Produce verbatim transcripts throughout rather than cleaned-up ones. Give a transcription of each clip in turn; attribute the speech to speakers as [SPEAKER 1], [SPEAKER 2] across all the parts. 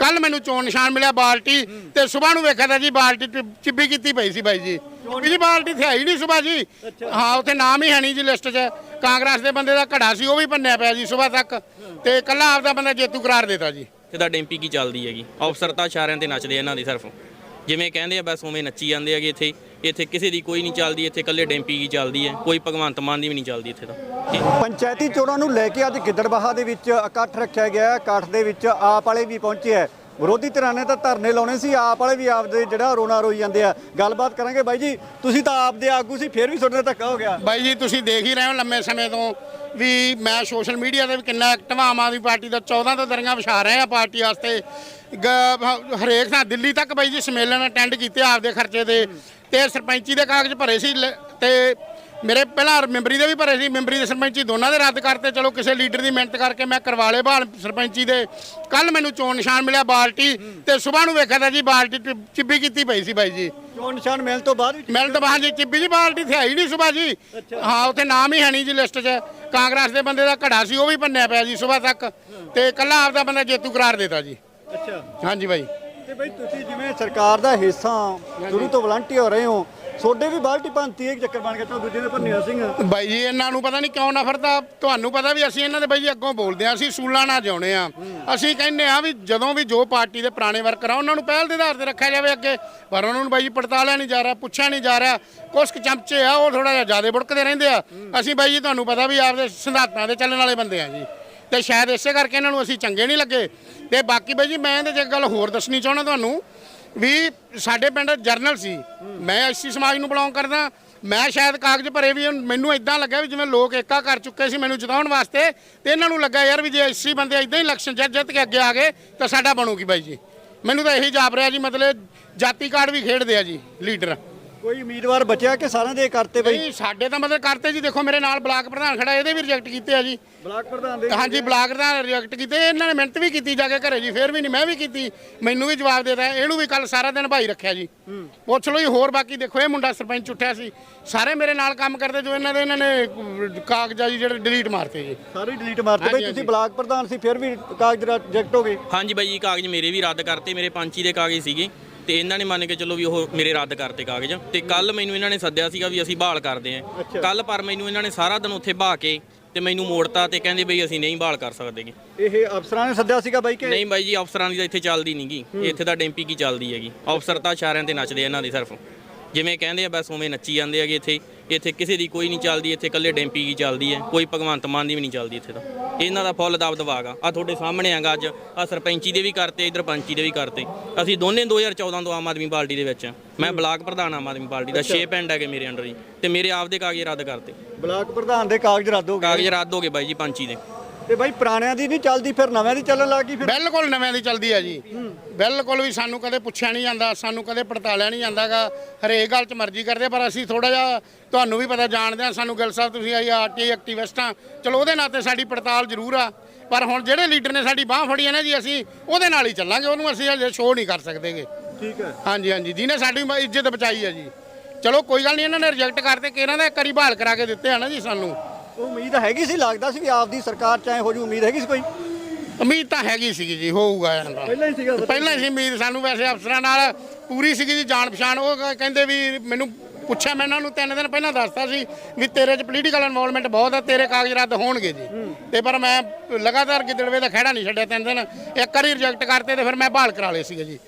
[SPEAKER 1] ਕੱਲ ਮੈਨੂੰ ਚੋਣ ਨਿਸ਼ਾਨ ਮਿਲਿਆ ਬਾਲਟੀ ਤੇ ਸਵੇਰ ਨੂੰ ਵੇਖਿਆ ਤਾਂ ਜੀ ਬਾਲਟੀ ਚਿੱਬੀ ਕੀਤੀ ਪਈ ਸੀ ਬਾਈ ਜੀ ਜੀ ਬਾਲਟੀ ਤੇ ਹੈ ਹੀ ਨਹੀਂ ਸਵੇਰ ਜੀ ਹਾਂ ਉੱਥੇ ਨਾਮ ਹੀ ਹੈ ਨਹੀਂ ਜੀ ਲਿਸਟ 'ਚ ਕਾਂਗਰਸ ਦੇ ਬੰਦੇ ਦਾ ਘੜਾ ਸੀ ਉਹ ਵੀ ਭੰਨਿਆ ਪਿਆ ਜੀ ਸਵੇਰ ਤੱਕ ਤੇ ਕੱਲਾ ਆਪਦਾ ਬੰਦਾ ਜੇਤੂ ਕਰਾਰ ਦੇਤਾ ਜੀ
[SPEAKER 2] ਤੇ ਤਾਂ ਡੈਂਪੀ ਕੀ ਚੱਲਦੀ ਹੈਗੀ ਅਫਸਰ ਤਾਂ ਇਸ਼ਾਰਿਆਂ ਤੇ ਨੱਚਦੇ ਇਹਨਾਂ ਦੀ ਸਿਰਫ ਜਿਵੇਂ ਕਹਿੰਦੇ ਆ ਬਸ ਉਵੇਂ ਨੱਚੀ ਜਾਂਦੇ ਹੈਗੇ ਇੱਥੇ ਇੱਥੇ ਕਿਸੇ ਦੀ ਕੋਈ ਨਹੀਂ ਚੱਲਦੀ ਇੱਥੇ ਇਕੱਲੇ ਡੈਂਪੀ ਕੀ ਚੱਲਦੀ ਹੈ ਕੋਈ ਭਗਵੰਤ ਮਾਨ ਦੀ ਵੀ ਨਹੀਂ ਚੱਲਦੀ ਇੱਥੇ ਤਾਂ
[SPEAKER 3] ਪੰਚਾਇਤੀ ਚੋਣਾਂ ਨੂੰ ਲੈ ਕੇ ਅੱਜ ਗਿੱਦੜਬਾਹਾ ਦੇ ਵਿੱਚ ਇਕੱਠ ਰੱਖਿਆ ਗਿਆ ਇਕੱਠ ਦੇ ਵਿੱਚ ਆਪ ਵਾਲੇ ਵੀ ਪਹੁੰਚੇ ਹੈ ਵਿਰੋਧੀ ਧਿਰਾਂ ਨੇ ਤਾਂ ਧਰਨੇ ਲਾਉਣੇ ਸੀ ਆਪ ਵਾਲੇ ਵੀ ਆਪਦੇ ਜਿਹੜਾ ਰੋਣਾ ਰੋਈ ਜਾਂਦੇ ਆ ਗੱਲਬਾਤ ਕਰਾਂਗੇ ਬਾਈ ਜੀ ਤੁਸੀਂ ਤਾਂ ਆਪਦੇ ਆਗੂ ਸੀ ਫਿਰ ਵੀ ਤੁਹਾਡੇ ਨਾਲ ਧੱਕਾ ਹੋ ਗਿਆ
[SPEAKER 1] ਬਾਈ ਜੀ ਤੁਸੀਂ ਦੇਖ ਹੀ ਰਹੇ ਹੋ ਲੰਮੇ ਸਮੇਂ ਤੋਂ ਵੀ ਮੈਂ ਸੋਸ਼ਲ ਮੀਡੀਆ ਤੇ ਵੀ ਕਿੰਨਾ ਐਕਟਿਵ ਆਮ ਆਦਮੀ ਪਾਰਟੀ ਦਾ ਚੌਦਾਂ ਤੋਂ ਦਰੀਆਂ ਵਿਛਾ ਰਹੇ ਆ ਪਾਰਟੀ ਵਾਸਤੇ ਹਰੇਕ ਥਾਂ ਦਿੱਲੀ ਤੱਕ ਬਾਈ ਜੀ ਸੰਮੇਲਨ ਅਟੈਂਡ ਕੀਤੇ ਆਪਦੇ ਖਰਚੇ ਤੇ ਤੇ ਸਰਪੰਚੀ ਦੇ ਕਾਗਜ਼ ਭਰੇ ਸੀ ਤੇ ਮੇਰੇ ਪਹਿਲਾਂ ਮੈਂਬਰੀ ਦੇ ਵੀ ਭਰੇ ਸੀ ਮੈਂਬਰੀ ਦੇ ਸਰਪੰਚੀ ਦੋਨਾਂ ਦੇ ਰੱਦ ਕਰਤੇ ਚਲੋ ਕਿਸੇ ਲੀਡਰ ਦੀ ਮਿਹਨਤ ਕਰਕੇ ਮੈਂ ਕਰਵਾ ਲਏ ਬਹਾਲ ਸਰਪੰਚੀ ਦੇ ਕੱਲ ਮੈਨੂੰ ਚੋਣ ਨਿਸ਼ਾਨ ਮਿਲਿਆ ਬਾਲਟੀ ਤੇ ਸਵੇਰ ਨੂੰ ਵੇਖਿਆ ਤਾਂ ਜੀ ਬਾਲਟੀ ਚਿੱਬੀ ਕੀਤੀ ਪਈ ਸੀ ਬਾਈ ਜੀ
[SPEAKER 3] ਚੋਣ ਨਿਸ਼ਾਨ ਮਿਲਣ ਤੋਂ ਬਾਅਦ
[SPEAKER 1] ਮਿਲਣ ਤੋਂ ਬਾਅਦ ਜੀ ਚਿੱਬੀ ਜੀ ਬਾਲਟੀ ਤੇ ਹੈ ਹੀ ਨਹੀਂ ਸਵੇਰ ਜੀ ਹਾਂ ਉੱਥੇ ਨਾਮ ਹੀ ਹੈ ਨਹੀਂ ਜੀ ਲਿਸਟ 'ਚ ਕਾਂਗਰਸ ਦੇ ਬੰਦੇ ਦਾ ਘੜਾ ਸੀ ਉਹ ਵੀ ਭੰਨਿਆ ਪਿਆ ਜੀ ਸਵੇਰ ਤੱਕ ਤੇ ਕੱਲਾ ਆਪਦਾ ਬੰਦਾ ਜੇਤੂ ਕਰਾਰ ਦੇਤਾ ਜੀ
[SPEAKER 3] ਅੱਛਾ
[SPEAKER 1] ਹਾਂਜੀ ਬਾਈ
[SPEAKER 3] ਤੇ ਬਾਈ ਤੁਸੀਂ ਜਿਵੇਂ ਸਰਕਾਰ ਦਾ ਹਿੱਸਾ ਸ਼ੁਰੂ ਤੋਂ ਵਲੰਟੀਅਰ ਹੋ ਰਹੇ ਹੋ ਤੁਹਾਡੇ ਵੀ ਬਾਲਟੀ ਭੰਤੀ ਇੱਕ ਚੱਕਰ ਬਣ ਗਿਆ ਤਾਂ ਦੂਜੇ ਨੇ ਭੰਨਿਆ ਸਿੰਘ
[SPEAKER 1] ਬਾਈ ਜੀ ਇਹਨਾਂ ਨੂੰ ਪਤਾ ਨਹੀਂ ਕਿਉਂ ਨਫ਼ਰਤ ਤੁਹਾਨੂੰ ਪਤਾ ਵੀ ਅਸੀਂ ਇਹਨਾਂ ਦੇ ਬਾਈ ਜੀ ਅੱਗੋਂ ਬੋਲਦੇ ਆ ਅਸੀਂ ਸੂਲਾਂ ਨਾਲ ਜਿਉਣੇ ਆ ਅਸੀਂ ਕਹਿੰਦੇ ਆ ਵੀ ਜਦੋਂ ਵੀ ਜੋ ਪਾਰਟੀ ਦੇ ਪੁਰਾਣੇ ਵਰਕਰ ਆ ਉਹਨਾਂ ਨੂੰ ਪਹਿਲ ਦੇ ਆਧਾਰ ਤੇ ਰੱਖਿਆ ਜਾਵੇ ਅੱਗੇ ਪਰ ਉਹਨਾਂ ਨੂੰ ਬਾਈ ਜੀ ਪੜਤਾਲਿਆ ਨਹੀਂ ਜਾ ਰਿਹਾ ਪੁੱਛਿਆ ਨਹੀਂ ਜਾ ਰਿਹਾ ਕੁਛ ਕੁ ਚਮਚੇ ਆ ਉਹ ਥੋੜਾ ਜਿਹਾ ਜ਼ਿਆਦਾ ਬੁੜਕਦੇ ਰਹਿੰਦੇ ਆ ਅਸੀਂ ਬਾਈ ਜੀ ਤੁਹਾਨੂੰ ਪਤਾ ਵੀ ਆਪਦੇ ਸਿਧਾਂਤਾਂ ਦੇ ਚੱਲਣ ਵਾਲੇ ਬੰਦੇ ਆ ਜੀ ਤੇ ਸ਼ਾਇਦ ਇਸੇ ਕਰਕੇ ਇਹਨਾਂ ਨੂੰ ਅਸੀਂ ਚੰਗੇ ਨਹੀਂ ਲੱਗੇ ਤੇ ਬਾਕੀ ਬਾਈ ਜੀ ਮੈਂ ਇਹਦੇ 'ਚ ਇੱਕ ਗੱਲ ਹੋਰ ਦੱਸਣੀ ਚਾਹੁੰਦਾ ਤੁਹਾਨੂੰ ਵੀ ਸਾਡੇ ਪਿੰਡ ਜਰਨਲ ਸੀ ਮੈਂ ਐਸਸੀ ਸਮਾਜ ਨੂੰ ਬਿਲੋਂਗ ਕਰਦਾ ਮੈਂ ਸ਼ਾਇਦ ਕਾਗਜ਼ ਭਰੇ ਵੀ ਮੈਨੂੰ ਇਦਾਂ ਲੱਗਾ ਵੀ ਜਿਵੇਂ ਲੋਕ ਏਕਾ ਕਰ ਚੁੱਕੇ ਸੀ ਮੈਨੂੰ ਜਿਤਾਉਣ ਵਾਸਤੇ ਤੇ ਇਹਨਾਂ ਨੂੰ ਲੱਗਾ ਯਾਰ ਵੀ ਜੇ ਐਸਸੀ ਬੰਦੇ ਇਦਾਂ ਹੀ ਇਲੈਕਸ਼ਨ ਜਿੱਤ ਜਿੱਤ ਕੇ ਅੱਗੇ ਆ ਗਏ ਤਾਂ ਸਾਡਾ ਬਣੂਗੀ ਬਾਈ ਜੀ ਮੈਨੂੰ ਤਾਂ ਇਹੀ ਜਾਪ ਰਿਹਾ ਜੀ ਮਤਲਬ ਜਾਤੀ ਕਾਰਡ ਵੀ ਖੇਡਦੇ ਆ ਜੀ ਲੀਡਰ
[SPEAKER 3] ਕੋਈ ਉਮੀਦਵਾਰ ਬਚਿਆ ਕਿ ਸਾਰਿਆਂ ਦੇ ਕਰਤੇ ਬਈ
[SPEAKER 1] ਨਹੀਂ ਸਾਡੇ ਤਾਂ ਮਤਲਬ ਕਰਤੇ ਜੀ ਦੇਖੋ ਮੇਰੇ ਨਾਲ ਬਲਾਕ ਪ੍ਰਧਾਨ ਖੜਾ ਇਹਦੇ ਵੀ ਰਿਜੈਕਟ ਕੀਤੇ ਆ ਜੀ
[SPEAKER 3] ਬਲਾਕ ਪ੍ਰਧਾਨ ਦੇ
[SPEAKER 1] ਹਾਂਜੀ ਬਲਾਕ ਪ੍ਰਧਾਨ ਰਿਜੈਕਟ ਕੀਤੇ ਇਹਨਾਂ ਨੇ ਮਿਹਨਤ ਵੀ ਕੀਤੀ ਜਾ ਕੇ ਘਰੇ ਜੀ ਫਿਰ ਵੀ ਨਹੀਂ ਮੈਂ ਵੀ ਕੀਤੀ ਮੈਨੂੰ ਵੀ ਜਵਾਬ ਦੇਤਾ ਇਹਨੂੰ ਵੀ ਕੱਲ ਸਾਰਾ ਦਿਨ ਭਾਈ ਰੱਖਿਆ ਜੀ ਪੁੱਛ ਲਓ ਜੀ ਹੋਰ ਬਾਕੀ ਦੇਖੋ ਇਹ ਮੁੰਡਾ ਸਰਪੰਚ ਉੱਠਿਆ ਸੀ ਸਾਰੇ ਮੇਰੇ ਨਾਲ ਕੰਮ ਕਰਦੇ ਜੋ ਇਹਨਾਂ ਦੇ ਇਹਨਾਂ ਨੇ ਕਾਗਜ਼ਾਂ ਜੀ ਜਿਹੜੇ ਡਿਲੀਟ ਮਾਰਤੇ ਜੀ
[SPEAKER 3] ਸਾਰੇ ਡਿਲੀਟ ਮਾਰਤੇ ਬਈ ਤੁਸੀਂ ਬਲਾਕ ਪ੍ਰਧਾਨ ਸੀ ਫਿਰ ਵੀ ਕਾਗਜ਼ ਰਿਜੈਕਟ ਹੋ ਗਏ
[SPEAKER 2] ਹਾਂਜੀ ਬਾਈ ਜੀ ਕਾਗਜ਼ ਮੇਰੇ ਵੀ ਰੱਦ ਕਰਤੇ ਮੇਰੇ ਪੰਚੀ ਦੇ ਕਾਗਜ਼ ਸੀਗੇ ਤੇ ਇਹਨਾਂ ਨੇ ਮੰਨ ਕੇ ਚੱਲੋ ਵੀ ਉਹ ਮੇਰੇ ਰੱਦ ਕਰਤੇ ਕਾਗਜ਼ ਤੇ ਕੱਲ ਮੈਨੂੰ ਇਹਨਾਂ ਨੇ ਸੱਦਿਆ ਸੀਗਾ ਵੀ ਅਸੀਂ ਬਹਾਲ ਕਰਦੇ ਆਂ ਕੱਲ ਪਰ ਮੈਨੂੰ ਇਹਨਾਂ ਨੇ ਸਾਰਾ ਦਿਨ ਉੱਥੇ ਬਹਾ ਕੇ ਤੇ ਮੈਨੂੰ ਮੋੜਤਾ ਤੇ ਕਹਿੰਦੇ ਬਈ ਅਸੀਂ ਨਹੀਂ ਬਹਾਲ ਕਰ ਸਕਦੇਗੇ
[SPEAKER 3] ਇਹ ਅਫਸਰਾਂ ਨੇ ਸੱਦਿਆ ਸੀਗਾ ਬਾਈ ਕਿ
[SPEAKER 2] ਨਹੀਂ ਬਾਈ ਜੀ ਅਫਸਰਾਂ ਦੀ ਤਾਂ ਇੱਥੇ ਚੱਲਦੀ ਨਹੀਂਗੀ ਇੱਥੇ ਤਾਂ ਡੈਂਪੀ ਕੀ ਚੱਲਦੀ ਹੈਗੀ ਅਫਸਰ ਤਾਂ ਇਸ਼ਾਰਿਆਂ ਤੇ ਨੱਚਦੇ ਇਹਨਾਂ ਦੀ ਸਿਰਫ ਜਿਵੇਂ ਕਹਿੰਦੇ ਆ ਬਸ ਉਵੇਂ ਨੱਚੀ ਜਾਂਦੇ ਹੈਗੇ ਇੱਥੇ ਇੱਥੇ ਕਿਸੇ ਦੀ ਕੋਈ ਨਹੀਂ ਚੱਲਦੀ ਇੱਥੇ ਇਕੱਲੇ ਡੈਂਪੀ ਕੀ ਚੱਲਦੀ ਹੈ ਕੋਈ ਭਗਵੰਤ ਮਾਨ ਦੀ ਵੀ ਨਹੀਂ ਚੱਲਦੀ ਇੱਥੇ ਤਾਂ ਇਹਨਾਂ ਦਾ ਫੁੱਲ ਦਬ ਦਬਾਗਾ ਆ ਤੁਹਾਡੇ ਸਾਹਮਣੇ ਆਗਾ ਅੱਜ ਆ ਸਰਪੰਚੀ ਦੇ ਵੀ ਕਰਤੇ ਇਧਰ ਪੰਚੀ ਦੇ ਵੀ ਕਰਤੇ ਅਸੀਂ ਦੋਨੇ ਦੋ ਹਜ਼ਾਰ ਚੌਦਾਂ ਤੋਂ ਆਮ ਆਦਮੀ ਪਾਰਟੀ ਦੇ ਵਿੱਚ ਮੈਂ ਬਲਾਕ ਪ੍ਰਧਾਨ ਆਮ ਆਦਮੀ ਪਾਰਟੀ ਦਾ ਛੇ ਪਿੰਡ ਹੈਗੇ ਮੇਰੇ ਅੰਡਰ ਜੀ ਤੇ ਮੇਰੇ ਆਪਦੇ ਕਾਗਜ਼ ਰੱਦ ਕਰਤੇ
[SPEAKER 3] ਬਲਾਕ ਪ੍ਰਧਾਨ ਦੇ ਕਾਗਜ਼ ਰੱਦ ਹੋ ਗਏ
[SPEAKER 2] ਕਾਗਜ਼ ਰੱਦ ਹੋ ਗਏ ਬਾਈ ਜੀ ਪੰਚੀ ਦੇ
[SPEAKER 3] ਤੇ ਬਾਈ ਪੁਰਾਣਿਆਂ ਦੀ ਨਹੀਂ ਚੱਲਦੀ ਫਿਰ ਨਵਿਆਂ ਦੀ ਚੱਲਣ ਲੱਗ ਗਈ ਫਿਰ
[SPEAKER 1] ਬਿਲਕੁਲ ਨਵਿਆਂ ਦੀ ਚੱਲਦੀ ਆ ਜੀ ਬਿਲਕੁਲ ਵੀ ਸਾਨੂੰ ਕਦੇ ਪੁੱਛਿਆ ਨਹੀਂ ਜਾਂਦਾ ਸਾਨੂੰ ਕਦੇ ਪੜਤਾਲਿਆ ਨਹੀਂ ਜਾਂਦਾਗਾ ਹਰੇਕ ਗੱਲ 'ਚ ਮਰਜ਼ੀ ਕਰਦੇ ਪਰ ਅਸੀਂ ਥੋੜਾ ਜਿਹਾ ਤੁਹਾਨੂੰ ਵੀ ਪਤਾ ਜਾਣਦੇ ਆ ਸਾਨੂੰ ਗਿੱਲ ਸਾਹਿਬ ਤੁਸੀਂ ਆਈ ਆਰਟੀ ਐਕਟਿਵਿਸਟ ਆ ਚਲੋ ਉਹਦੇ ਨਾਤੇ ਸਾਡੀ ਪੜਤਾਲ ਜ਼ਰੂਰ ਆ ਪਰ ਹੁਣ ਜਿਹੜੇ ਲੀਡਰ ਨੇ ਸਾਡੀ ਬਾਹ ਫੜੀ ਹੈ ਨਾ ਜੀ ਅਸੀਂ ਉਹਦੇ ਨਾਲ ਹੀ ਚੱਲਾਂਗੇ ਉਹਨੂੰ ਅਸੀਂ ਹਜੇ ਸ਼ੋਅ ਨਹੀਂ ਕਰ ਸਕਦੇਗੇ
[SPEAKER 3] ਠੀਕ ਹੈ
[SPEAKER 1] ਹਾਂਜੀ ਹਾਂਜੀ ਜਿਹਨੇ ਸਾਡੀ ਇੱਜ਼ਤ ਬਚਾਈ ਆ ਜੀ ਚਲੋ ਕੋਈ ਗੱਲ ਨਹੀਂ ਇਹਨਾਂ ਨੇ ਰਿਜੈਕਟ ਕਰਤੇ ਕਿ ਇਹਨਾਂ ਦਾ ਇੱਕ ਵਾਰੀ ਬਹਾਲ ਕਰਾ ਕੇ ਦਿੱਤੇ ਆ ਨਾ ਜੀ ਸਾਨੂੰ
[SPEAKER 3] ਉਹ ਉਮੀਦ ਹੈਗੀ ਸੀ ਲੱਗਦਾ ਸੀ ਵੀ ਆਪਦੀ ਸਰਕਾਰ ਚਾਹੇ ਹੋ ਜੂ ਉਮੀਦ ਹੈਗੀ ਸੀ ਕੋਈ
[SPEAKER 1] ਉਮੀਦ ਤਾਂ ਹੈਗੀ ਸੀਗੀ ਜੀ ਹੋਊਗਾ
[SPEAKER 3] ਪਹਿਲਾਂ ਹੀ ਸੀਗਾ
[SPEAKER 1] ਪਹਿਲਾਂ ਹੀ ਸੀ ਉਮੀਦ ਸਾਨੂੰ ਵੈਸੇ ਅਫਸਰਾਂ ਨਾਲ ਪੂਰੀ ਸੀਗੀ ਜੀ ਜਾਣ ਪਛਾਣ ਉਹ ਕਹਿੰਦੇ ਵੀ ਮੈਨੂੰ ਪੁੱਛਿਆ ਮੈਂ ਇਹਨਾਂ ਨੂੰ ਤਿੰਨ ਦਿਨ ਪਹਿਲਾਂ ਦੱਸਤਾ ਸੀ ਵੀ ਤੇਰੇ 'ਚ ਪੋਲੀਟੀਕਲ ਇਨਵੋਲਵਮੈਂਟ ਬਹੁਤ ਆ ਤੇਰੇ ਕਾਗਜ਼ ਰੱਦ ਹੋਣਗੇ ਜੀ ਤੇ ਪਰ ਮੈਂ ਲਗਾਤਾਰ ਗਿੱਦੜਵੇ ਦਾ ਖਹਿੜਾ ਨਹੀਂ ਛੱਡਿਆ ਤਿੰਨ ਦਿਨ ਇੱਕ ਵਾਰੀ ਰਿਜੈਕਟ ਕਰਤੇ ਤੇ ਫਿਰ ਮੈਂ ਬਹਾਲ ਕਰਾ ਲਏ ਸੀਗੇ ਜੀ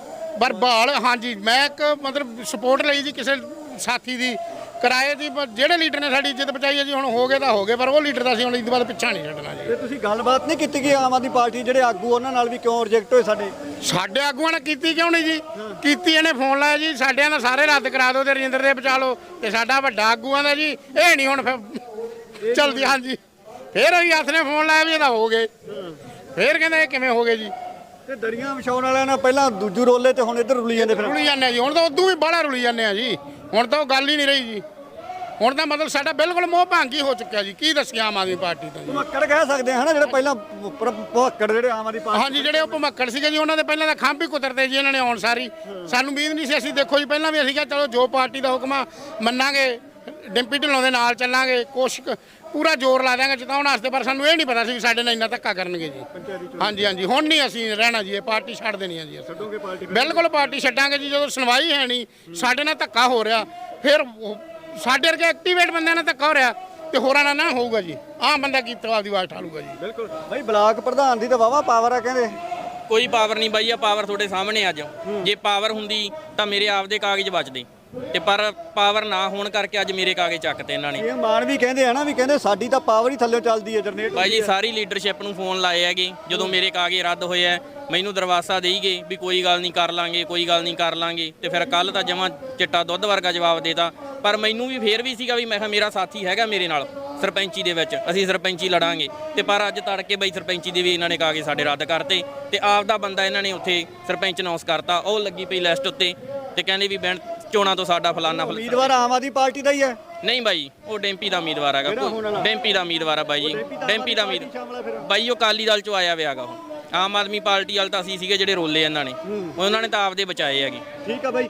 [SPEAKER 1] ਪਰ ਬਹਾਲ ਹਾਂਜੀ ਮੈਂ ਇੱਕ ਮਤਲਬ ਸਪੋਰਟ ਲਈ ਜੀ ਕਿਸੇ ਸਾਥੀ ਦੀ ਕਿਰਾਏ ਦੀ ਜਿਹੜੇ ਲੀਡਰ ਨੇ ਸਾਡੀ ਇੱਜ਼ਤ ਬਚਾਈ ਹੈ ਜੀ ਹੁਣ ਹੋ ਗਏ ਤਾਂ ਹੋ ਗਏ ਪਰ ਉਹ ਲੀਡਰ ਦਾ ਅਸੀਂ ਹੁਣ ਇਸ ਤੋਂ ਬਾਅਦ ਪਿੱਛਾ ਨਹੀਂ ਛੱਡਣਾ ਜੀ
[SPEAKER 3] ਤੇ ਤੁਸੀਂ ਗੱਲਬਾਤ ਨਹੀਂ ਕੀਤੀ ਕਿ ਆਮ ਆਦਮੀ ਪਾਰਟੀ ਜਿਹੜੇ ਆਗੂ ਉਹਨਾਂ ਨਾਲ ਵੀ ਕਿਉਂ ਰਿਜੈਕਟ ਹੋਏ ਸਾਡੇ
[SPEAKER 1] ਸਾਡੇ ਆਗੂਆਂ ਨੇ ਕੀਤੀ ਕਿਉਂ ਨਹੀਂ ਜੀ ਕੀਤੀ ਇਹਨੇ ਫੋਨ ਲਾਇਆ ਜੀ ਸਾਡਿਆਂ ਦਾ ਸਾਰੇ ਰੱਦ ਕਰਾ ਦਿਓ ਤੇ ਰਜਿੰਦਰ ਦੇ ਬਚਾ ਲਓ ਤੇ ਸਾਡਾ ਵੱਡਾ ਆਗੂਆਂ ਦਾ ਜੀ ਇਹ ਨਹੀਂ ਹੁਣ ਫਿਰ ਚਲਦੀ ਹਾਂਜੀ ਫਿਰ ਅਸੀਂ ਹੱਥ ਨੇ ਫੋਨ ਲਾਇਆ ਵੀ ਇਹਦਾ ਹੋ ਗਏ ਫਿਰ ਕਹਿੰਦੇ ਇਹ ਕਿਵੇਂ ਹੋ ਗਏ ਜੀ
[SPEAKER 3] ਤੇ ਦਰੀਆਂ ਵਿਛਾਉਣ ਵਾਲਿਆਂ ਨਾਲ ਪਹਿਲਾਂ ਦੂਜੂ ਰੋਲੇ ਤੇ ਹੁਣ ਇੱਧਰ ਰੁਲੀ ਜਾਂਦੇ ਫਿਰ
[SPEAKER 1] ਰੁਲੀ ਜਾਂਦੇ ਆ ਜੀ ਹੁਣ ਤਾਂ ਉਦੋਂ ਵੀ ਬਾਹਲਾ ਰੁਲੀ ਜਾਂਦੇ ਆ ਜੀ ਹੁਣ ਤਾਂ ਉਹ ਗੱਲ ਹੀ ਨਹੀਂ ਰਹੀ ਜੀ ਹੁਣ ਤਾਂ ਮਤਲਬ ਸਾਡਾ ਬਿਲਕੁਲ ਮੋਹ ਭੰਗੀ ਹੋ ਚੁੱਕਿਆ ਜੀ ਕੀ ਦੱਸਿਆ ਆਮ ਆਦਮੀ ਪਾਰਟੀ ਤੋਂ ਜੀ
[SPEAKER 3] ਭਮੱਕੜ ਕਹਿ ਸਕਦੇ ਹਾਂ ਨਾ ਜਿਹੜੇ ਪਹਿਲਾਂ ਭਮੱਕੜ ਜਿਹੜੇ ਆਮ ਆਦਮੀ ਪਾਰਟੀ
[SPEAKER 1] ਹਾਂਜੀ ਜਿਹੜੇ ਉਹ ਭਮੱਕੜ ਸੀਗੇ ਜੀ ਉਹਨਾਂ ਦੇ ਪਹਿਲਾਂ ਤਾਂ ਖੰਭ ਹੀ ਕੁਤਰਦੇ ਜੀ ਇਹਨਾਂ ਨੇ ਆਉਣ ਸਾਰੀ ਸਾਨੂੰ ਉਮੀਦ ਨਹੀਂ ਸੀ ਅਸੀਂ ਦੇਖੋ ਜੀ ਪਹਿਲਾਂ ਵੀ ਅਸੀਂ ਕਿਹਾ ਚਲੋ ਜੋ ਪਾਰਟੀ ਦਾ ਹੁਕਮ ਆ ਮੰਨਾਂਗੇ ਡਿੰਪੀ ਢਿੱਲੋਂ ਦੇ ਨਾਲ ਚੱਲਾਂਗੇ, ਕੋਸ਼ਿਸ਼ ਪੂਰਾ ਜ਼ੋਰ ਲਾ ਦਿਆਂਗੇ ਜਿਤਾਉਣ ਵਾਸਤੇ, ਪਰ ਸਾਨੂੰ ਇਹ ਨਹੀਂ ਪਤਾ ਸੀ ਵੀ ਸਾਡੇ ਨਾਲ ਇੰਨਾ ਧੱਕਾ ਕਰਨਗੇ ਜੀ। ਹਾਂਜੀ ਹਾਂਜੀ ਹੁਣ ਨਹੀਂ ਅਸੀਂ ਰਹਿਣਾ ਜੀ, ਇਹ ਪਾਰਟੀ ਛੱਡ ਦੇਣੀ ਹੈ ਜੀ।
[SPEAKER 3] ਛੱਡੋਗੇ ਪਾਰਟੀ?
[SPEAKER 1] ਬਿਲਕੁਲ ਪਾਰਟੀ ਛੱਡਾਂਗੇ ਜੀ, ਜਦੋਂ ਸੁਣਵਾਈ ਹੈ ਨਹੀਂ, ਸਾਡੇ ਨਾਲ ਧੱਕਾ ਹੋ ਰਿਹਾ, ਫਿਰ ਉਹ ਸਾਡੇ ਵਰਗੇ ਐਕਟੀਵੇਟ ਬੰਦਿਆਂ ਨਾਲ ਧੱਕਾ ਹੋ ਰਿਹਾ ਤੇ ਹੋਰਾਂ ਨਾਲ ਨਾ ਹੋਊਗਾ ਜੀ। ਆਮ ਬੰਦਾ ਕੀ ਆਪਦੀ ਆਵਾਜ਼ ਠਾਲੂਗਾ ਜੀ।
[SPEAKER 3] ਬਿਲਕੁਲ ਬਾਈ, ਬਲਾਕ ਪ੍ਰਧਾਨ ਦੀ ਤਾਂ ਵਾਵਾ ਪਾਵਰ ਆ ਕਹਿੰਦੇ।
[SPEAKER 2] ਕੋਈ ਪਾਵਰ ਨਹੀਂ ਬਾਈ, ਆ ਪਾਵਰ ਤੁਹਾਡੇ ਸਾਹਮਣੇ ਅੱਜ। ਜੇ ਪਾਵਰ ਹੁੰਦੀ ਤਾਂ ਮੇਰੇ ਆਪਦੇ ਕਾਗਜ਼ ਬਚਦੇ, ਤੇ ਪਰ ਪਾਵਰ ਨਾ ਹੋਣ ਕਰਕੇ ਅੱਜ ਮੇਰੇ ਕਾਗਜ਼ ਚੱਕਤੇ ਇਹਨਾਂ ਨੇ।
[SPEAKER 3] ਇਹ ਮਾਨ ਵੀ ਕਹਿੰਦੇ ਆ ਨਾ, ਵੀ ਕਹਿੰਦੇ ਸਾਡੀ ਤਾਂ ਪਾਵਰ ਹੀ ਥੱਲੇ ਚੱਲਦੀ ਹੈ, ਜਨਰੇਟ
[SPEAKER 2] ਬਾਈ ਜੀ ਸਾਰੀ ਲੀਡਰਸ਼ਿਪ ਨੂੰ ਫੋਨ ਲਾਏ ਹੈਗੇ ਜਦੋਂ ਮੇਰੇ ਕਾਗਜ਼ ਰੱਦ ਹੋਏ ਆ, ਮੈਨੂੰ ਦਰਵਾਸਾ ਦੇਈ ਗਏ ਵੀ ਕੋਈ ਗੱਲ ਨਹੀਂ ਕਰ ਲਾਂਗੇ, ਕੋਈ ਗੱਲ ਨਹੀਂ ਕਰ ਲਾਂਗੇ, ਤੇ ਫਿਰ ਕੱਲ ਤਾਂ ਜਮਾਂ ਚਿੱਟਾ ਦੁੱਧ ਵਰਗਾ ਜਵਾਬ ਦੇਤਾ। ਪਰ ਮੈਨੂੰ ਵੀ ਫੇਰ ਵੀ ਸੀਗਾ ਵੀ ਮੈਂ ਕਿਹਾ ਮੇਰਾ ਸਾਥੀ ਹੈਗਾ ਮੇਰੇ ਨਾਲ ਸਰਪੰਚੀ ਦੇ ਵਿੱਚ, ਅਸੀਂ ਸਰਪੰਚੀ ਲੜਾਂਗੇ। ਤੇ ਪਰ ਅੱਜ ਤੜਕੇ ਬਈ ਸਰਪੰਚੀ ਦੇ ਵੀ ਇਹਨਾਂ ਨੇ ਕਾਗਜ਼ ਸਾਡੇ ਰੱਦ ਕਰਤੇ, ਤੇ ਆਪ ਦਾ ਬੰਦਾ ਇਹਨਾਂ ਨੇ ਉੱਥੇ ਸਰਪੰਚ ਅਨਾਉਂਸ ਕਰਤਾ, ਉਹ ਲੱਗੀ ਪਈ ਲਿਸਟ ਉੱਤੇ, ਤੇ ਕਹਿੰਦੇ ਵੀ ਬੈਂਡ ਚੋਣਾਂ ਤੋਂ ਸਾਡਾ ਫਲਾਨਾ ਫਲਾਨਾ।
[SPEAKER 3] ਉਮੀਦਵਾਰ ਆਮ ਆਦਮੀ ਪਾਰਟੀ ਦਾ ਹੀ ਹੈ?
[SPEAKER 2] ਨਹੀਂ ਬਾਈ, ਉਹ ਡੈਂਪੀ ਦਾ ਉਮੀਦਵਾਰ ਹੈਗਾ, ਡੈਂਪੀ ਦਾ ਉਮੀਦਵਾਰ ਆ ਬਾਈ ਜੀ, ਡੈਂਪੀ ਦਾ ਉਮੀਦਵਾਰ ਬਾਈ, ਉਹ ਅਕਾਲੀ ਦਲ ਚੋਂ ਆਇਆ ਵਿਆਗਾ। ਉਹ ਆਮ ਆਦਮੀ ਪਾਰਟੀ ਵਾਲ ਤਾਂ ਅਸੀਂ ਸੀਗੇ ਜਿਹੜੇ ਰੋਲੇ ਇਹਨਾਂ ਨੇ, ਉਹਨਾਂ ਨੇ ਤਾਂ ਆਪਦੇ ਬਚਾਏ ਹੈਗੇ।
[SPEAKER 3] ਠੀਕ ਆ ਬਾਈ।